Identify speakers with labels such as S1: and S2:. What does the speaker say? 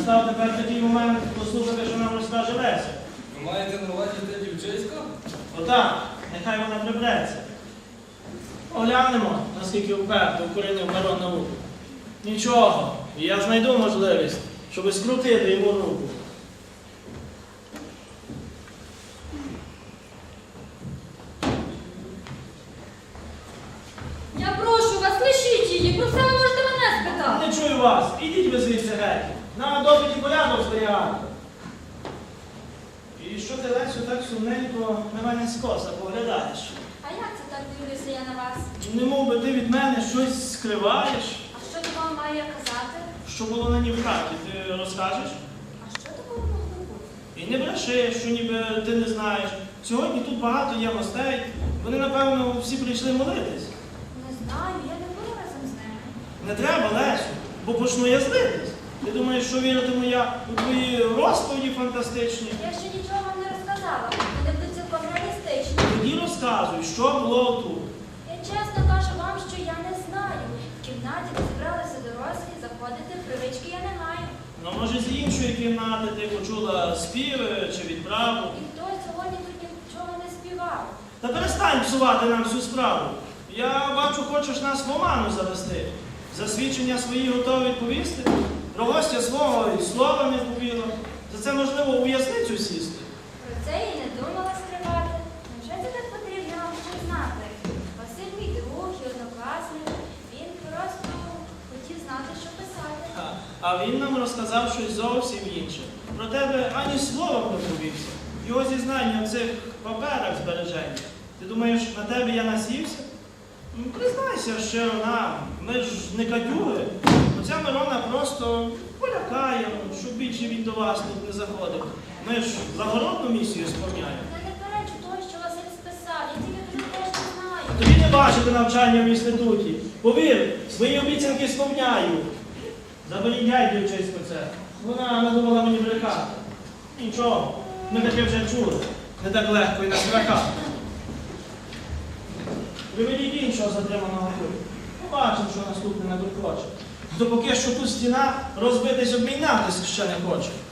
S1: настав тепер такий момент послухати, що нам розкаже Леся.
S2: Ви маєте на увазі те дівчисько?
S1: Отак, нехай вона прибереться. Оглянемо, наскільки вперто укорінив Мирон науку. Нічого, я знайду можливість, щоб скрутити йому руку.
S3: Я прошу вас, лишіть її, про це ви можете мене спитати.
S1: Не чую вас, ідіть ви звідси геть. На допиті порядок стояти. І що ти, Лесю, так сумненько на мене скоса поглядаєш?
S3: А як це так дивлюся я на вас?
S1: Не мов би ти від мене щось скриваєш?
S3: А що то вам маю я казати?
S1: Що було на ній в хаті, ти розкажеш?
S3: А що то могло бути?
S1: І не бреши, що ніби ти не знаєш. Сьогодні тут багато є гостей. Вони, напевно, всі прийшли молитись.
S3: Не знаю, я не була разом з ними.
S1: Не треба, Лесю, бо почну я злитись. Ти думаєш, що віритиму я у твої розповіді фантастичні?
S3: Я ще нічого вам не розказала, вони будуть цілком реалістичні.
S1: Тоді розказуй, що було тут.
S3: Я чесно кажу вам, що я не знаю. В кімнаті, де зібралися дорослі, заходити привички я не маю.
S1: Ну, може, з іншої кімнати ти почула співи чи відправу.
S3: І хто сьогодні тут нічого не співав.
S1: Та перестань псувати нам всю справу. Я бачу, хочеш нас в оману завести. За свідчення свої готові відповісти. Про гостя свого і слова не повіло. За це можливо у в'язницю сісти.
S3: Про це я й не думала скривати. Невже це так потрібно вам щось знати? Василь мій друг і однокласник. Він просто хотів знати, що писати.
S1: А він нам розказав щось зовсім інше. Про тебе ані словом не повівся. Його зізнання в цих паперах збереження. Ти думаєш, на тебе я насівся? Признайся щиро нам, ми ж не кадюги. Оця Мирона просто полякає, щоб більше він до вас тут не заходив. Ми ж загородну місію сповняємо.
S3: Я не перечу того, що Василь списав. Я тільки про те, що знаю.
S1: Тобі не бачити навчання в інституті. Повір, свої обіцянки сповняю. Заберіть дівчисько це. Вона надумала мені брехати. Нічого, ми таке вже чули. Не так легко і настрахати. Приведіть іншого затриманого тут. Побачимо, що наступне надуркоче. Допоки що тут стіна розбитись обмінятися ще не хоче.